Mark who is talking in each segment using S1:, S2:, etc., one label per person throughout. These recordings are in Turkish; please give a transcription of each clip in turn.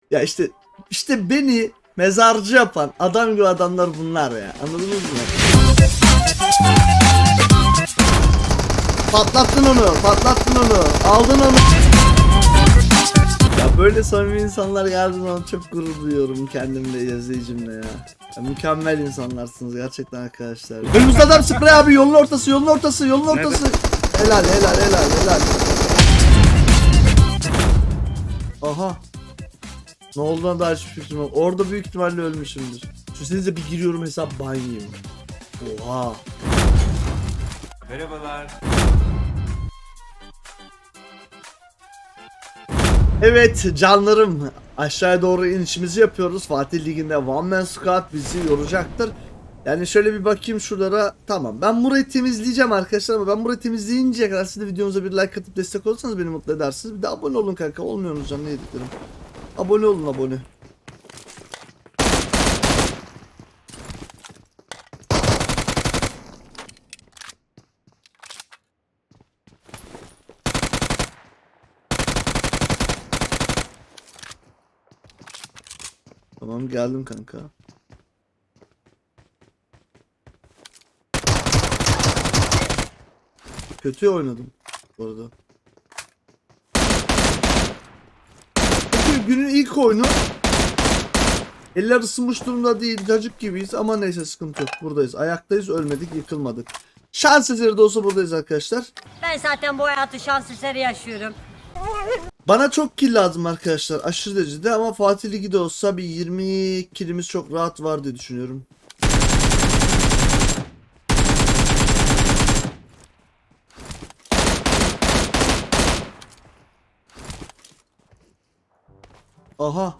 S1: Ya işte beni mezarcı yapan adam gibi adamlar bunlar ya. Anladınız mı? Patlattın onu. Aldın onu. Ya böyle samimi insanlar geldiği zaman çok gurur duyuyorum kendimle, izleyicimle ya. Ya mükemmel insanlarsınız gerçekten arkadaşlar. Önümüzde adam sprey abi, yolun ortası. Helal. Aha. Ne olduğuna dair hiçbir fikrim yok. Orada büyük ihtimalle ölmüşümdür. Düşünsenize bir giriyorum, hesap ban yiyor. Oha.
S2: Merhabalar.
S1: Evet canlarım, aşağıya doğru inişimizi yapıyoruz. Fatih Ligi'nde One Man Squad bizi yoracaktır. Yani şöyle bir bakayım şuralara. Tamam, ben burayı temizleyeceğim arkadaşlar, ama ben burayı temizleyinceye kadar siz de videomuza bir like atıp destek olursanız beni mutlu edersiniz. Bir de abone olun kanka, olmuyorsunuz canım, ne dediklerim. Abone olun, abone. Tamam, geldim kanka. Kötü oynadım bu arada. Çünkü günün ilk oyunu. Eller ısınmış durumda değil, cacık gibiyiz ama neyse, sıkıntı yok. Buradayız, ayaktayız, ölmedik, yıkılmadık. Şans eseri de olsa buradayız arkadaşlar.
S3: Ben zaten bu hayatı şans eseri yaşıyorum.
S1: Bana çok kill lazım arkadaşlar, aşırı derecede, ama Fatih Ligi de olsa bir 20 killimiz çok rahat var diye düşünüyorum. Aha.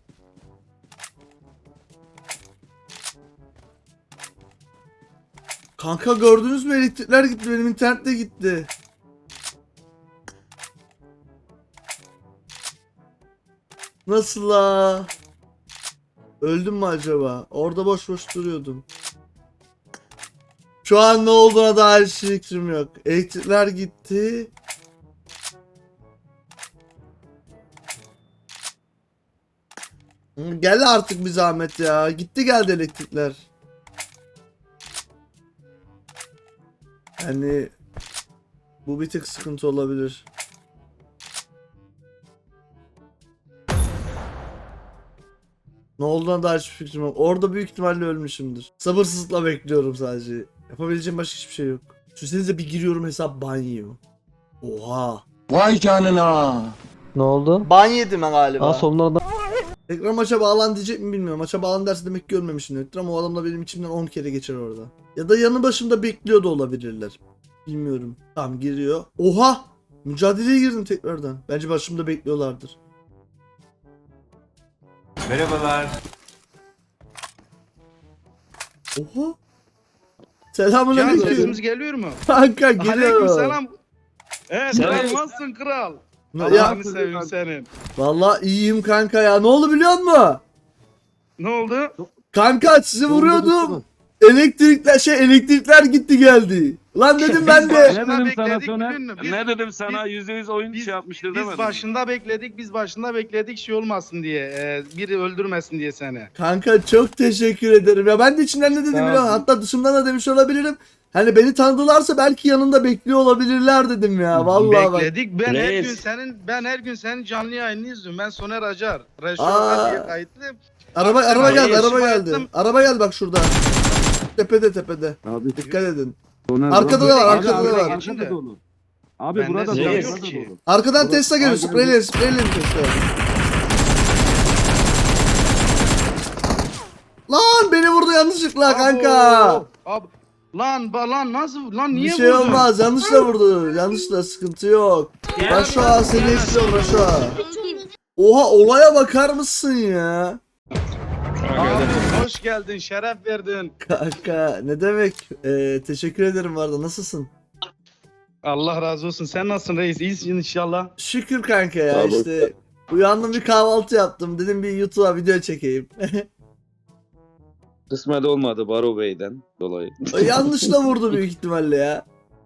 S1: Kanka gördünüz mü, elektrikler gitti, benim internet de gitti. Nasıl la? Öldüm mü acaba? Orada boş boş duruyordum. Şu an ne olduğuna dair hiç fikrim yok. Elektrikler gitti. Gel artık bir zahmet ya. Gitti geldi elektrikler. Yani bu bir tık sıkıntı olabilir. Ne olduğuna dair hiçbir fikrim yok. Orada büyük ihtimalle ölmüşümdür. Sabırsızlıkla bekliyorum sadece. Yapabileceğim başka hiçbir şey yok. Düşünsenize bir giriyorum, hesap ban yiyor. Oha.
S4: Vay canına.
S5: Ne oldu?
S1: Ban yedim ben galiba.
S5: Aa sonlardan
S1: Tekrar maça bağlan diyecek mi bilmiyorum. Maça bağlan derse demek ki görmemişim demektir, ama o adamla benim içimden 10 kere geçer orada. Ya da yanı başımda bekliyor da olabilirler. Bilmiyorum. Tamam, giriyor. Oha! Mücadeleye girdim tekrardan. Bence başımda bekliyorlardır.
S2: Merhabalar.
S1: Oha!
S6: Can
S1: Selamünaleyküm.
S6: sesimiz geliyor mu?
S1: Kanka geliyor.
S6: Aleykümselam.
S4: Selam.
S6: Kral nasılsın kral?
S1: Ya
S6: Allah'ını seveyim senin.
S1: vallahi iyiyim kanka ya. Ne oldu biliyor musun?
S6: Ne oldu?
S1: Kanka sizi vuruyordum. Elektrikler gitti geldi. Lan dedim ben de.
S6: Başında bekledik,
S4: Soner?
S6: biliyor musun?
S4: Ne dedim sana? %100 oyun şey yapmıştır demedim.
S6: Biz başında bekledik şey olmasın diye. Biri öldürmesin diye seni.
S1: Kanka çok teşekkür ederim ya. Ben de içimden ne dedim biliyor musun? Hatta dışımdan da demiş olabilirim. Hani beni tanıdılarsa belki yanında bekliyor olabilirler dedim ya. Vallahi bak.
S6: Bekledik. Ben her gün senin canlı yayını izliyorum. Ben Soner Acar. Reşo diye kayıtlıyım.
S1: Araba
S6: Reis,
S1: geldi.
S6: bayıldım.
S1: Araba geldi bak şurada. Tepede.
S4: Abi
S1: Dikkat edin.
S4: Soner,
S1: Arkada da var,
S6: Abi,
S1: arkada da var.
S6: arkada
S4: da olur. Abi
S6: Bende
S4: burada
S6: şey
S4: da
S6: yok
S4: burada
S6: ki.
S4: da olur.
S1: Arkadan Tesla geliyor. Spreyleyin Tesla. Lan beni vurdu yanlışlıkla kanka.
S6: Abi, lan nasıl? Lan
S1: Bir
S6: niye
S1: şey
S6: vurdun?
S1: olmaz. Yanlışla vurdu. Yanlışla, sıkıntı yok. Raşa seni istiyorum Raşa. Oha, olaya bakar mısın ya?
S6: Abi, hoş geldin, şeref verdin.
S1: Kanka ne demek? Teşekkür ederim bu arada. Nasılsın?
S6: Allah razı olsun. Sen nasılsın reis? İyisin inşallah.
S1: Şükür kanka ya, işte. Uyandım, bir kahvaltı yaptım. Dedim bir YouTube'a video çekeyim.
S4: Kısmet olmadı Baro Bey'den dolayı.
S1: Yanlışla vurdu büyük ihtimalle ya.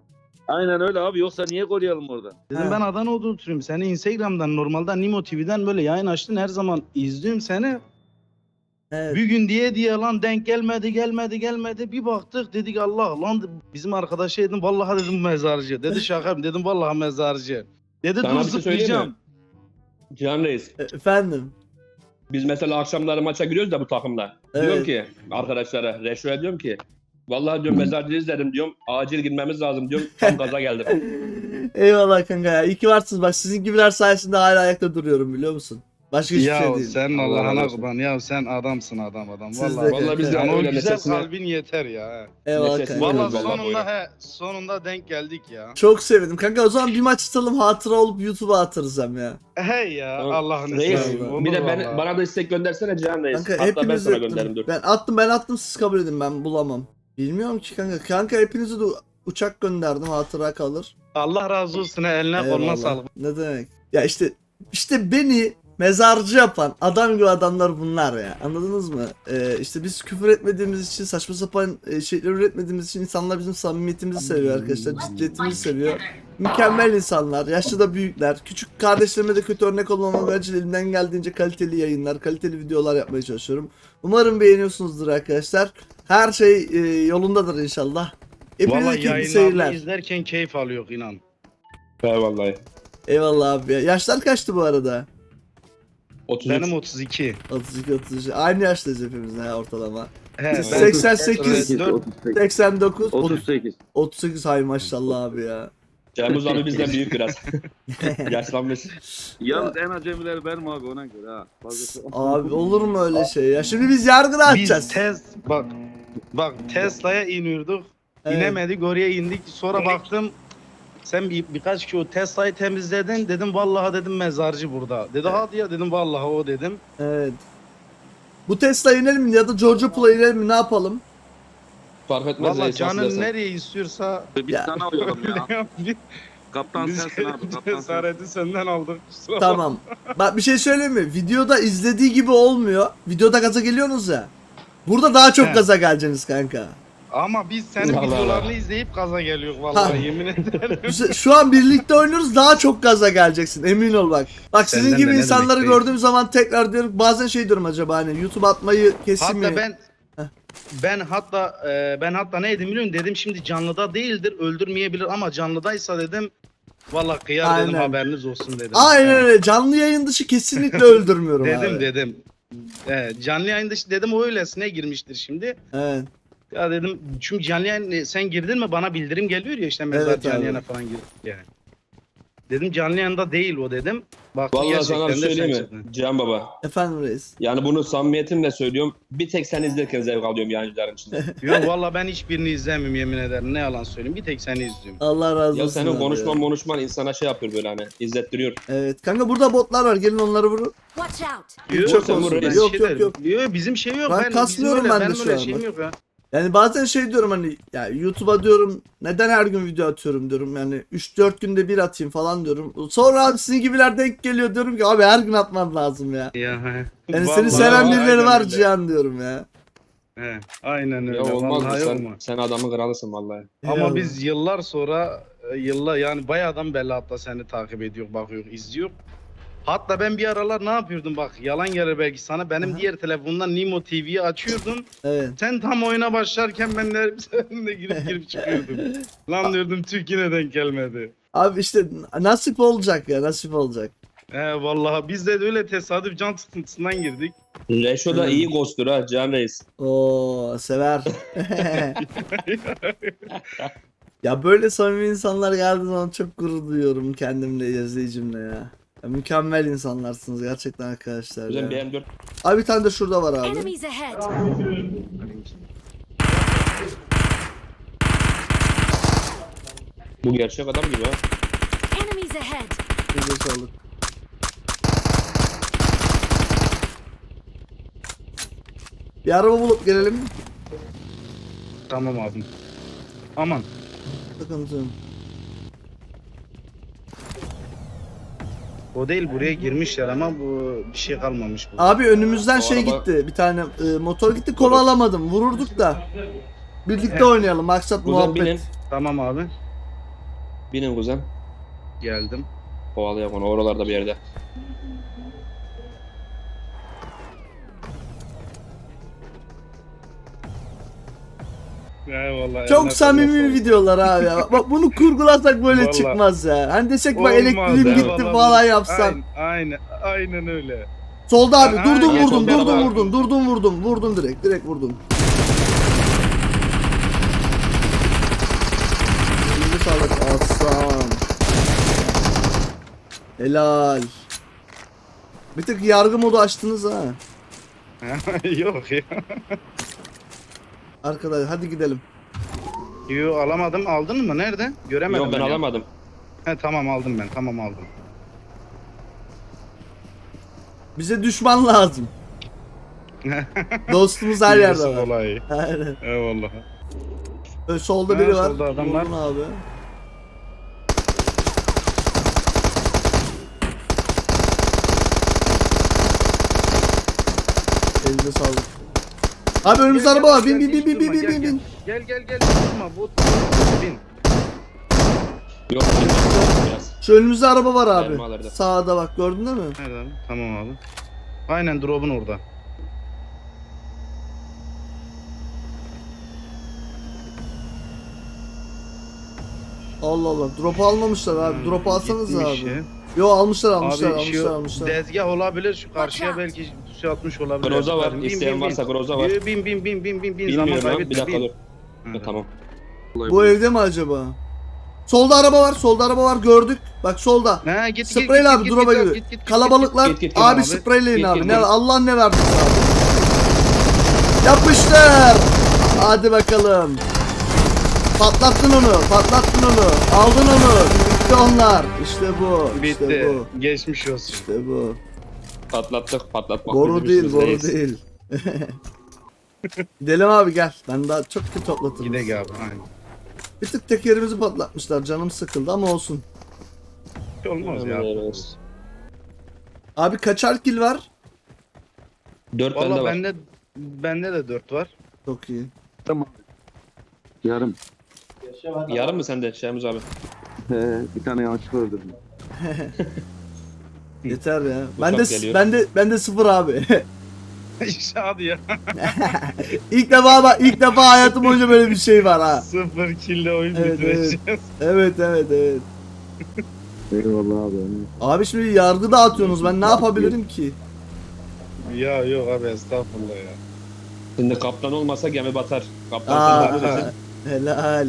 S4: Aynen öyle abi, yoksa niye koruyalım orada?
S6: Dedim
S1: Ha.
S6: ben Adana'da oturuyorum. Seni Instagram'dan normalde Nimo TV'den böyle yayın açtın. Her zaman izliyorum seni.
S1: Evet.
S6: Bir gün diye lan denk gelmedi. Bir baktık dedik Allah lan bizim arkadaşa dedim vallahi dedim mezarcı. Dedi şaka mı? Dedim vallahi mezarcı. Dedi
S2: Sana
S6: dur
S2: bir şey söyleyeyim mi?
S6: zıplayacağım.
S2: Cihan Reis,
S1: Efendim.
S2: biz mesela akşamları maça giriyoruz da bu takımla.
S1: Evet.
S2: Diyorum ki arkadaşlara, Reşo'ya diyorum ki vallahi diyorum mezarcı izledim diyorum. Acil girmemiz lazım diyorum. Tam gaza geldim.
S1: Eyvallah kanka ya. İyi ki varsınız. Bak sizin gibiler sayesinde hala ayakta duruyorum biliyor musun? Başka hiçbir şey
S6: Ya
S1: değil.
S6: sen
S2: Allah
S6: Allah'ına
S2: razı olsun.
S6: kurban. Ya sen adamsın adam.
S1: Siz
S6: Vallahi.
S1: de
S2: Vallahi biz de
S1: kanka.
S6: Yani o
S2: öyle
S6: güzel
S2: nefesine-
S6: kalbin yeter ya.
S1: Eyvallah
S2: Nefesine-
S1: kanka.
S6: Vallahi
S2: Vallahi
S6: sonunda
S2: böyle.
S6: sonunda denk geldik ya.
S1: Çok sevindim. Kanka o zaman bir maç atalım, hatıra olup YouTube'a atarız hem ya.
S6: Hey ya
S2: Tamam.
S6: Allah'ın
S2: Reis,
S6: izniyle. Olur
S2: bir de
S6: vallahi.
S2: bana da istek göndersene Cihan Reis.
S1: Kanka
S2: Hatta ben
S1: hepiniz
S2: sana gönderirim dur.
S1: Ben attım siz kabul edin, ben bulamam. Bilmiyorum ki kanka. Kanka hepinize de uçak gönderdim, hatıra kalır.
S6: Allah razı olsun eline koluna
S1: Eyvallah.
S6: sağlık.
S1: Ne demek? Ya işte beni mezarcı yapan adam gibi adamlar bunlar ya. Anladınız mı? İşte biz küfür etmediğimiz için, saçma sapan şeyler üretmediğimiz için insanlar bizim samimiyetimizi seviyor arkadaşlar. Ciddiyetimizi seviyor. Mükemmel insanlar, yaşlı da büyükler. Küçük kardeşlerime de kötü örnek olmamam için elimden geldiğince kaliteli yayınlar, kaliteli videolar yapmaya çalışıyorum. Umarım beğeniyorsunuzdur arkadaşlar. Her şey yolundadır inşallah. Hepinize
S6: Vallahi
S1: keyifli
S6: yayınlarını
S1: seyirler.
S6: izlerken keyif alıyor inan.
S2: Vallahi.
S1: Eyvallah abi ya. Yaşlar kaçtı bu arada?
S2: 33.
S6: Benim 32.
S1: 32 33. Aynı yaştayız hepimiz ya ortalama.
S6: He,
S1: Siz
S6: ben
S1: 88,
S6: 4
S1: 89,
S4: 38.
S1: 38 hay maşallah abi ya.
S2: Cemuz abi bizden büyük biraz. Yaşlanmış.
S4: Yalnız en acemileri benim abi, ona göre ha. Fazlası.
S1: Abi olur mu öyle şey ya? Şimdi biz yargıda atacağız.
S6: bak Tesla'ya iniyorduk.
S1: Evet.
S6: İnemedik oraya indik. Sonra baktım sen birkaç kişi o Tesla'yı temizledin. Dedim vallahi dedim mezarcı burada. Dedi hadi ya dedim vallahi o dedim.
S1: Evet. Bu Tesla inelim mi ya da Georgia Pool'a inelim mi, ne yapalım?
S2: Fark etmez
S6: Vallahi
S2: Reis, nasıl
S6: canın
S2: dersen.
S6: nereye istiyorsa
S4: Biz
S1: Ya.
S4: sana uyalım ya. Kaptan
S6: biz
S4: sensin abi. Kaptan sensin.
S6: cesareti senden aldık. Kusura
S1: Tamam. Bak bir şey söyleyeyim mi? Videoda izlediği gibi olmuyor. Videoda gaza geliyorsunuz ya. Burada daha çok
S6: He.
S1: gaza geleceksiniz kanka.
S6: Ama biz senin
S2: Vallahi.
S6: videolarını izleyip gaza geliyor vallahi
S1: Ha.
S6: yemin ederim.
S1: Şu an birlikte oynuyoruz, daha çok gaza geleceksin, emin ol bak. Bak sizin
S6: Senden
S1: gibi
S6: de ne
S1: insanları
S6: demek değil.
S1: gördüğüm zaman tekrar diyorum, bazen şey diyorum, acaba hani YouTube atmayı kesin mi?
S6: Hatta
S1: Heh.
S6: ben hatta ne dedim biliyor musun? Dedim şimdi canlıda değildir, öldürmeyebilir ama canlıdaysa dedim vallahi kıyar dedim,
S1: Aynen.
S6: haberiniz olsun dedim.
S1: Aynen öyle. Canlı yayın dışı kesinlikle öldürmüyorum
S6: Dedim
S1: abi.
S6: dedim. Canlı yayın dışı dedim o öylesine girmiştir şimdi.
S1: Evet.
S6: Ya dedim çünkü canlı yayın sen girdin mi bana bildirim geliyor ya işte mezar
S1: Evet
S6: canlı
S1: abi.
S6: yayına falan girdik yani. Dedim canlı yayında değil o dedim. Baktım
S2: Vallahi sana bir
S6: gerçekten de
S2: söyleyeyim
S6: sen
S2: mi?
S6: çıktın.
S2: Cihan Baba.
S1: Efendim reis.
S2: Yani bunu samimiyetimle söylüyorum. Bir tek sen izlerken zevk alıyorum yayıncıların içinde.
S6: Yok valla ben hiçbirini izlemiyorum yemin ederim ne yalan söyleyeyim bir tek seni izliyorum.
S1: Allah razı
S2: Ya
S1: olsun.
S2: senin
S1: abi ya.
S2: konuşman insana şey yapıyor böyle hani izlettiriyor.
S1: Evet. Kanka burada botlar var. Gelin onları vurun.
S3: Watch out!
S6: Yok,
S1: Çok
S2: sen
S1: olsun.
S2: buraya-
S1: Yok yok yok.
S6: Yok bizim şey yok.
S1: Ben kasmıyorum ben de
S6: benim
S1: şu
S6: öyle
S1: an
S6: şeyim
S1: bak.
S6: yok ya.
S1: Yani bazen şey diyorum hani ya YouTube'a diyorum neden her gün video atıyorum diyorum, yani 3-4 günde bir atayım falan diyorum. Sonra abi sizin gibiler denk geliyor, diyorum ki abi her gün atman lazım ya.
S6: Ya he.
S1: Yani
S6: Vallahi
S1: seni seven birileri
S6: aynen
S1: var
S6: öyle.
S1: Cihan diyorum ya.
S6: He, aynen öyle.
S2: Ya olmaz mı?
S6: Vallahi
S2: Sen,
S6: olmaz.
S2: sen adamın kralısın vallahi.
S6: Ama
S1: Eyvallah.
S6: biz yıllar sonra yani bayağıdan beri hatta seni takip ediyor, bakıyor, izliyor. Hatta ben bir aralar ne yapıyordum bak yalan gelir belki sana. Benim
S1: Aha.
S6: diğer telefondan Nimo TV'yi açıyordum.
S1: Evet.
S6: Sen tam oyuna başlarken ben de seninle girip çıkıyordum. Lan diyordum Türkiye neden gelmedi?
S1: Abi işte nasip olacak ya, nasip olacak.
S6: Vallahi biz de öyle tesadüf can sıkıntısından girdik.
S2: Reşo da
S1: Hı.
S2: iyi ghost'tur ha Cihan Reis.
S1: Oo sever. Ya böyle samimi insanlar geldiği zaman çok gurur duyuyorum kendimle, izleyicimle ya. Ya mükemmel insanlarsınız gerçekten arkadaşlar
S2: Güzel
S1: ya.
S2: bir M4.
S1: Abi bir tane de şurada var abi.
S3: Enemies ahead!
S2: Bu gerçek adam gibi ha.
S3: Enemies ahead!
S1: Size sağlık. Bir araba bulup gelelim.
S6: Tamam abim. Aman.
S1: Sıkıntı yok.
S6: O değil buraya girmişler ama bu bir şey kalmamış bu.
S1: Abi önümüzden
S2: O
S1: şey
S2: araba-
S1: gitti. Bir tane motor gitti. Kolu alamadım. Vururduk da. Birlikte
S6: Evet.
S1: oynayalım. Maksat
S2: Kuzen
S1: muhabbet.
S2: binin.
S6: Tamam abi.
S2: Binin kuzen.
S6: Geldim.
S2: Kovalayalım onu oralarda bir yerde.
S6: Eyvallah.
S1: Çok
S6: eline
S1: samimi
S6: koluna sağlık.
S1: videolar abi ya. Bak bunu kurgulasak böyle
S6: Vallahi.
S1: çıkmaz ya. Hani desek bak
S6: Olmaz,
S1: elektriğim gitti
S6: eyvallah.
S1: falan yapsan.
S6: Aynen öyle.
S1: Solda abi
S6: Aha,
S1: durdum
S6: ya,
S1: vurdum
S2: solda
S1: durdum
S2: araba.
S1: vurdum durdum vurdum vurdum direkt vurdum. Elini sağlık aslan. Helal. Bir tık yargı modu açtınız ha.
S6: Yok ya.
S1: Arkadaşlar hadi gidelim.
S6: Yo alamadım. Aldın mı? Nerede? Göremedim.
S2: Yok ben
S6: ya.
S2: alamadım.
S6: He tamam aldım ben. Tamam aldım.
S1: Bize düşman lazım. Dostumuz her yerde
S6: Gerisi
S1: var.
S6: kolay.
S1: Aynen.
S6: Eyvallah.
S1: Solda
S6: Ha,
S1: biri var.
S6: solda adam var.
S1: Vurdun abi. Elinize sağlık. Abi önümüzde araba var. Bin bin bin bin bin bin bin bin.
S6: Gel durma. Bu bin.
S2: Yok biraz.
S1: Şu önümüzde araba var abi.
S2: Elma alırdı.
S1: Sağda bak gördün değil mi?
S6: Nerede abi? Tamam abi. Aynen drop'un orada.
S1: Allah Allah. Drop almamışlar abi. Drop alsanız abi.
S6: Gitmiş ya.
S1: Yo almışlar almışlar
S6: Abi
S1: almışlar
S6: şu
S1: almışlar.
S6: dezgah olabilir. Şu karşıya
S3: out.
S6: belki şey atmış olabilir.
S2: Groza var.
S6: Bin,
S2: İsteyen
S6: bin,
S2: varsa
S6: bin.
S2: groza var.
S6: Yo, bin. Zaman
S2: Bilmiyorum lan.
S6: kaybetme.
S2: Bir dakika
S6: bin.
S2: dur.
S6: Hı.
S2: Tamam.
S1: Bu evde mi acaba? Solda araba var. Solda araba var. Gördük. Bak solda.
S6: Ha git
S1: Spreyle abi drop'a gidiyor. Kalabalıklar
S2: Git,
S1: abi
S6: abi.
S1: spreyleyin
S2: Git,
S1: abi.
S2: git,
S1: Ne
S2: git.
S1: Allah ne verdi abi. Yapıştır. Hadi bakalım. Patlattın onu. Patlattın onu. Aldın onu. Bitti onlar. İşte bu. İşte
S6: Bitti.
S1: bu.
S6: Geçmiş olsun.
S1: İşte bu.
S2: Patlatmak.
S1: Boru
S2: bizim
S1: değil,
S2: işimiz
S1: boru
S2: reis.
S1: değil. Gidelim abi gel. Ben daha çok kötü toplatırım.
S6: Gidek abi. Aynen.
S1: Bir tık tekerimizi patlatmışlar. Canım sıkıldı ama olsun.
S6: Olmaz ya.
S2: Evet.
S1: Abi kaçar kill var?
S2: 4 bende
S6: Valla
S2: var.
S6: bende de 4 var.
S1: Çok iyi.
S4: Tamam. Yarım.
S2: Yarın mı sende Şemuz abi?
S4: Bir tane yanlışlıkla öldürdüm.
S1: Yeter ya.
S2: Uçak geliyor.
S1: Ben de sıfır abi.
S6: İşte hadi ya.
S1: ilk defa hayatım boyunca böyle bir şey var ha.
S6: 0 kill'le oyun
S1: Evet,
S6: bitireceğiz.
S1: Evet.
S4: Eyvallah abi.
S1: Abi şimdi yargı dağıtıyorsunuz. Ben ne yapabilirim ki?
S6: Ya yok abi estağfurullah ya.
S2: Şimdi kaptan olmasa gemi batar. Kaptan
S1: Aa,
S2: sen neredesin?
S1: helal.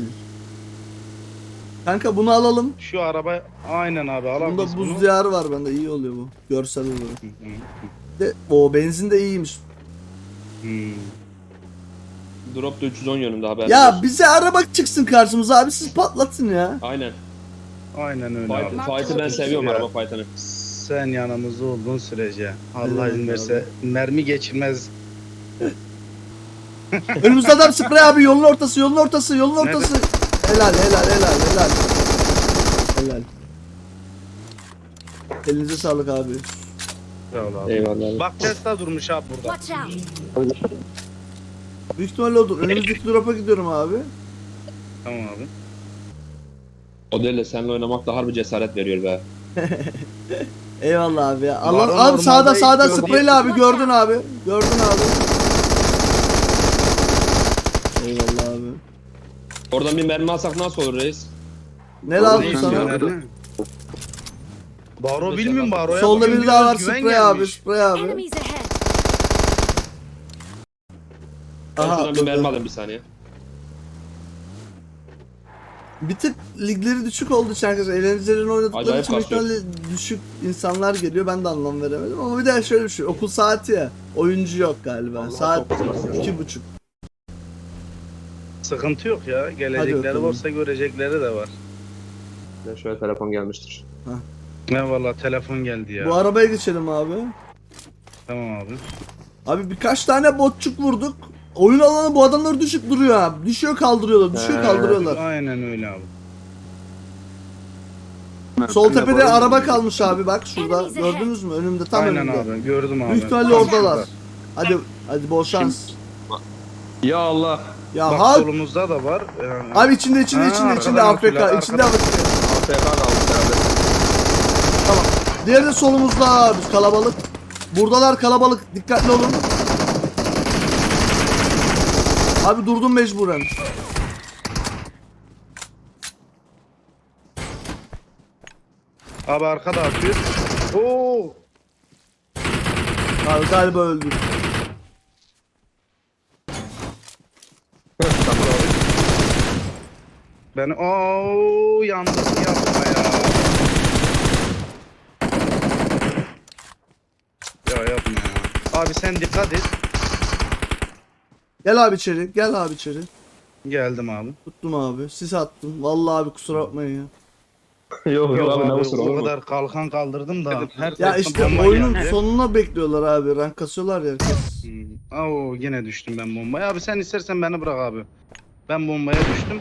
S1: Kanka bunu alalım.
S6: Şu araba aynen abi alalım
S1: Bunda
S6: biz
S1: buz
S6: bunu.
S1: diyarı var bende. İyi oluyor bu. Görsel olarak.
S6: Hı hı.
S1: De, o benzin de iyiymiş.
S6: Hmm.
S2: Drop da 310 yönünde haber.
S1: Ya bize araba çıksın karşımıza abi siz patlatın ya.
S2: Aynen.
S6: Aynen öyle abi.
S2: Fight'ı ben seviyorum
S6: Ya.
S2: araba fight'ını.
S6: Sen yanımızda olduğun sürece Allah
S1: Evet
S6: izin
S1: abi.
S6: verse mermi geçirmez.
S1: Önümüzde adam sprey abi yolun ortası.
S6: Nerede?
S1: Helal. Helal. Elinize sağlık abi.
S6: Sağ ol abi.
S2: Eyvallah.
S6: Bak Tesla durmuş abi burada.
S3: Watch out!
S1: Büyük ihtimalle odur. Önümüzdeki drop'a gidiyorum abi.
S6: Tamam abi.
S2: O değil de seninle oynamak da harbi cesaret veriyor be.
S1: Eyvallah abi ya.
S6: Baron
S1: Allah abi
S6: normalde
S1: sağda
S6: ilk
S1: spreyli abi gördün abi. Eyvallah abi.
S2: Oradan bir mermi alsak nasıl olur reis?
S1: Ne lazım
S6: Neyse,
S1: sana?
S6: önemli. Baro bilmiyorum Baro'ya.
S1: Solda
S6: bugün
S1: biri daha var
S6: biraz güven
S1: sprey abi.
S6: gelmiş.
S1: Sprey abi.
S3: Enemies ahead!
S2: Ben
S1: Aha,
S2: şuradan bir
S1: dur,
S2: mermi
S1: dur.
S2: alayım bir saniye.
S1: Bir tık ligleri düşük olduğu için arkadaşlar eğlencelerini oynadıkları
S2: Acayip
S1: için büyük
S2: kasıyor.
S1: ihtimalle düşük insanlar geliyor. Ben de anlam veremedim ama bir de şöyle bir şey. Okul saati ya. Oyuncu yok galiba. Saat 2:30.
S6: Sıkıntı yok ya.
S1: Hadi
S6: Gelecekleri
S1: bakalım.
S6: varsa görecekleri de var.
S2: Ben şöyle telefon gelmiştir.
S6: Ne valla telefon geldi ya.
S1: Bu arabaya geçelim abi.
S6: Tamam abi.
S1: Abi birkaç tane botçuk vurduk. Oyun alanı bu adamlar düşük duruyor abi. Düşüyor kaldırıyorlar.
S6: Aynen öyle abi.
S1: Sol tepede araba kalmış abi bak şurada.
S3: Enemies ahead.
S1: Gördünüz mü? Önümde tam
S6: Aynen
S1: önümde.
S6: abi. Gördüm abi.
S1: Büyük ihtimalle
S6: Bak
S1: oradalar.
S6: şurada.
S1: Hadi bol şans.
S2: Ya Allah.
S1: Ya
S6: Bak
S1: ha
S6: solumuzda da var. Yani...
S1: abi içinde
S6: Ha,
S1: Afrika.
S6: arkadan
S1: İçinde
S6: atıyorlar,
S1: Afrika.
S2: AFK kaldık herhalde.
S1: Tamam. Diğeri de solumuzda. Biz kalabalık. Buradalar kalabalık. Dikkatli olun. Abi durdum mecburen.
S6: Abi arkada atıyor. Oo.
S1: Abi galiba öldüm.
S2: Tamam abi.
S6: Ben yandım yapma ya. Ya yapma ya. Abi sen dikkat et.
S1: Gel abi içeri. Gel abi içeri.
S6: Geldim abi.
S1: Tuttum abi. Sis attım. Vallahi abi kusura bakmayın ya.
S2: Yok
S6: Yok
S2: abi ne
S6: abi
S2: kusur
S6: o
S2: olur mu?
S6: kadar kalkan kaldırdım da. Her
S1: Ya
S6: taraftan
S1: işte
S6: bomba
S1: oyunun
S6: geldi.
S1: sonuna bekliyorlar abi. Rank kasıyorlar ya herkes.
S6: Yine düştüm ben bombaya. Abi sen istersen beni bırak abi. Ben bombaya düştüm.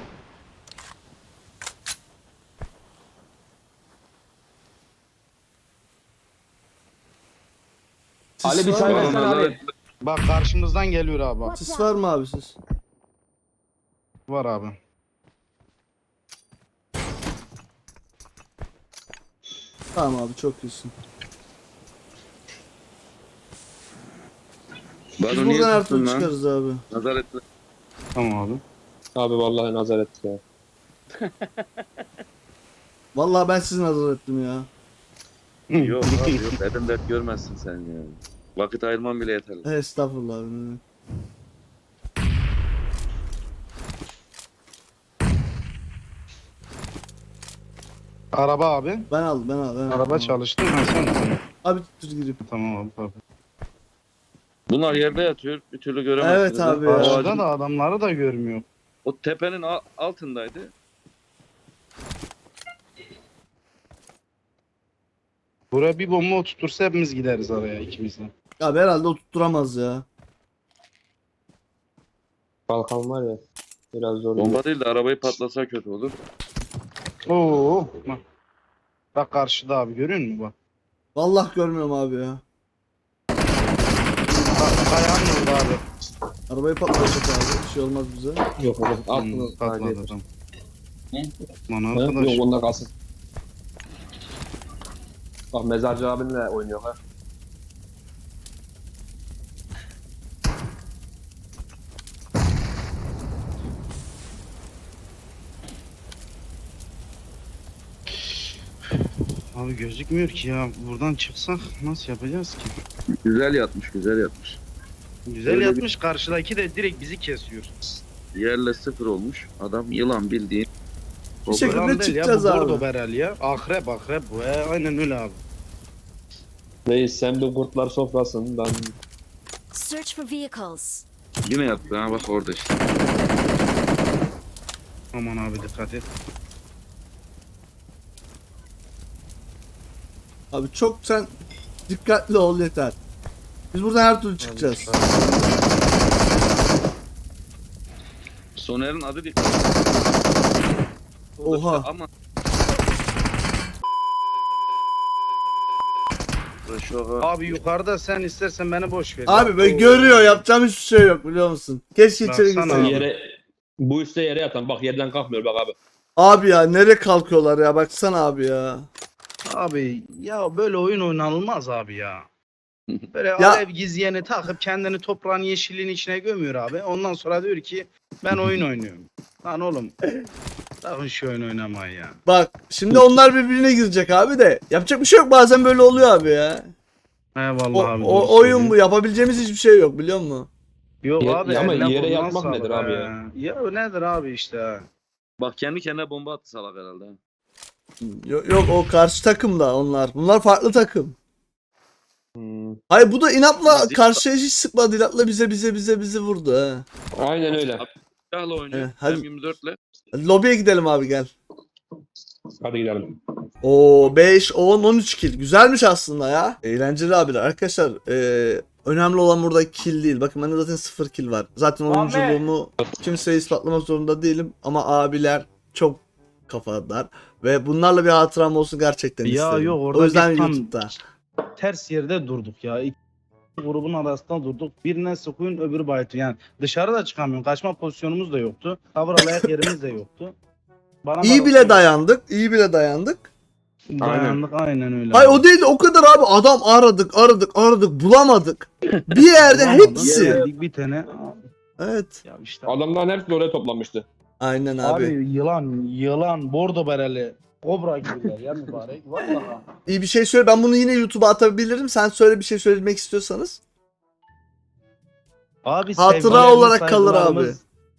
S1: Sis
S2: Ali bir
S1: var
S2: çay
S1: mı?
S2: versene Ali.
S6: Bak karşımızdan geliyor abi. Bak.
S1: Sis var mı abi sis?
S6: Var abi.
S1: Tamam abi çok iyisin. Biz
S4: Bana niye
S1: buradan her
S4: tuttun
S1: türlü
S4: lan?
S1: çıkarız abi.
S4: Nazar etme.
S6: Tamam abi.
S2: Abi vallahi nazar ettik ya.
S1: Vallahi ben sizin hazır ettim ya.
S4: Yok abi yok. Neden dert görmezsin sen ya. Vakit ayırman bile yeterli.
S1: Estağfurullah abi.
S6: Araba abi.
S1: Ben aldım ben aldım.
S6: Araba çalıştı. Ha sen de.
S1: Abi dur gireyim.
S6: Tamam abi. Tabii.
S4: Bunlar yerde yatıyor. Bir türlü göremezsiniz.
S1: Evet abi
S4: ha.
S1: ya.
S4: O,
S6: Karşıda
S4: ağacın-
S6: da adamları da görmüyor.
S4: o tepenin altındaydı.
S6: Buraya bir bomba oturtursa hepimiz gideriz araya ikimiz de.
S1: Abi herhalde o tutturamaz ya.
S2: Kalkan var ya. Biraz zor.
S4: Bomba değil de arabayı patlasa kötü olur.
S6: Oo. Bak. Bak karşıda abi görüyor musun bak.
S1: Vallahi görmüyorum abi ya.
S6: Bak ayağın orada abi.
S1: Arabayı patlatacak abi. Bir şey olmaz bize.
S2: Yok oğlum. Altını
S6: Patladı tam. Lan
S2: Yok
S6: arkadaş.
S2: onda kalsın. Bak mezarcı abinle oynuyor ha.
S6: Abi gözükmüyor ki ya. Buradan çıksak nasıl yapacağız ki?
S4: Güzel yatmış, güzel yatmış.
S6: Güzel
S4: Öyle
S6: yapmış. Karşıdaki de direkt bizi kesiyor.
S4: Yerle sıfır olmuş. Adam yılan bildiğin.
S1: Bir şekilde
S6: Ulan değil ya,
S1: çıkacağız
S6: bu
S1: abi.
S6: bordo berel ya. Akrep bu. Aynen öyle abi.
S2: Reis sen bir kurtlar sofrasından.
S3: Search for vehicles.
S4: Yine yattı ha bak orada işte.
S6: Aman abi dikkat et.
S1: Abi çok sen dikkatli ol yeter. Biz buradan her türlü çıkacağız.
S4: Soner'in adı dikkat.
S1: Oha.
S4: Ama şu
S6: Abi yukarıda sen istersen beni boş ver.
S1: Abi ben görüyor yapacağım hiçbir şey yok biliyor musun? Keşke içeri
S6: Baksana
S1: gitseydim.
S6: abi.
S2: Yere bu üstte yere yatan. Bak yerden kalkmıyor bak abi.
S1: Abi ya nereye kalkıyorlar ya baksana abi ya.
S6: Abi ya böyle oyun oynanılmaz abi ya. Böyle
S1: Ya-
S6: alev gizleyeni takıp kendini toprağın yeşilliğin içine gömüyor abi. Ondan sonra diyor ki ben oyun oynuyorum. Lan oğlum sakın şu oyun oynamayın ya.
S1: Bak şimdi onlar birbirine girecek abi de. Yapacak bir şey yok bazen böyle oluyor abi ya.
S6: Eyvallah
S1: O,
S6: abi.
S1: o
S6: doğru
S1: oyun bu
S6: söylüyorsun.
S1: yapabileceğimiz hiçbir şey yok biliyor musun?
S6: Yok
S2: Ya-
S6: abi.
S2: ama
S6: eline
S2: yere
S6: koluna
S2: yatmak
S6: sağlık
S2: nedir abi
S6: ha.
S2: ya?
S6: Ya nedir abi işte ha.
S4: bak kendi kendine bomba attı salak herhalde. ha.
S1: Yok, yok o karşı takım da onlar. Bunlar farklı takım.
S2: Hmm.
S1: Hayır bu da inatla
S4: Nasıl-
S1: karşıya hiç sıkmadı. İnatla bize vurdu ha.
S2: Aynen öyle.
S4: Silahla oynuyor.
S1: Evet, hadi.
S4: M24'le.
S1: Lobiye gidelim abi gel.
S2: Hadi gidelim.
S1: Oo 5, 10, 13 kill. Güzelmiş aslında ya. Eğlenceli abiler. Arkadaşlar önemli olan burada kill değil. Bakın bende zaten 0 kill var. Zaten oyunculuğumu kimseye ispatlamak zorunda değilim. Ama abiler çok kafalar. Ve bunlarla bir hatıram olsun gerçekten
S6: Ya
S1: isterim.
S6: yok, orada
S1: O yüzden
S6: biz tam-
S1: YouTube'da.
S6: Ters yerde durduk ya. İki grubun arasında durduk. Birine sıkıyorsun öbürü bayılıyor. Yani dışarı da çıkamıyorsun. Kaçma pozisyonumuz da yoktu. Tavır alayak yerimiz de yoktu. Bana
S1: İyi
S6: bak-
S1: bile dayandık. İyi bile dayandık.
S6: Dayandık aynen öyle.
S1: Hayır o değil de o kadar abi, adam aradık bulamadık. Bir yerde
S6: Bulamadım.
S1: hepsi.
S6: Geldik bir tane.
S1: Evet.
S6: Ya işte.
S2: Adamların hepsi oraya toplanmıştı.
S1: Aynen abi.
S6: Abi yılan, bordo bereli, kobra gibiler ya mübarek. Vallahi.
S1: İyi bir şey söyle. Ben bunu yine YouTube'a atabilirim. Sen söyle bir şey söylemek istiyorsanız.
S6: Abi
S1: Hatıra
S6: sevgilerimiz,
S1: olarak kalır abi.
S6: saygılarımız,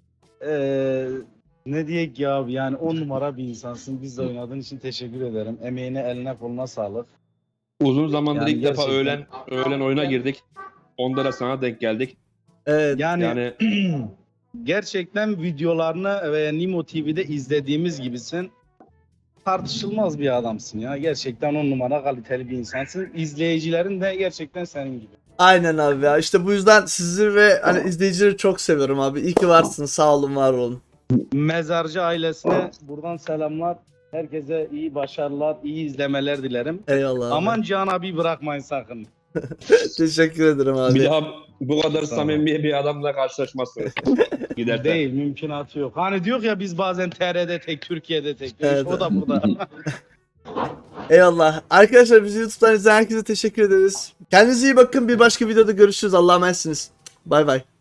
S6: ne diyek ya abi, yani 10 numara bir insansın. Bizle oynadığın için teşekkür ederim. Emeğine, eline, koluna sağlık.
S2: Uzun zamandır
S6: Yani
S2: ilk defa
S6: gerçekten-
S2: öğlen oyuna girdik. Onda da sana denk geldik.
S1: Evet.
S6: Yani,
S2: Yani
S6: gerçekten videolarını ve Nimo TV'de izlediğimiz gibisin. Tartışılmaz bir adamsın ya. Gerçekten 10 numara kaliteli bir insansın. İzleyicilerin de gerçekten senin gibi.
S1: Aynen abi ya. İşte bu yüzden sizi ve hani izleyicileri çok seviyorum abi. İyi ki varsınız. Sağ olun, var olun.
S6: Mezarcı ailesine buradan selamlar. Herkese iyi başarılar, iyi izlemeler dilerim.
S1: Eyvallah abi.
S6: Aman Can abi bırakmayın sakın.
S1: Teşekkür ederim abi.
S2: bir daha bu kadar
S6: Sağ ol.
S2: samimi bir adamla karşılaşmazsınız. Giderken.
S6: Değil, mümkünatı yok. Hani diyor ya biz bazen TR'de tek, Türkiye'de tek.
S1: Evet.
S6: O da burada.
S1: Eyvallah. Arkadaşlar bizi YouTube'dan izleyen herkese teşekkür ederiz. Kendinize iyi bakın. Bir başka videoda görüşürüz. Allah'a emanetsiniz. Bay bay.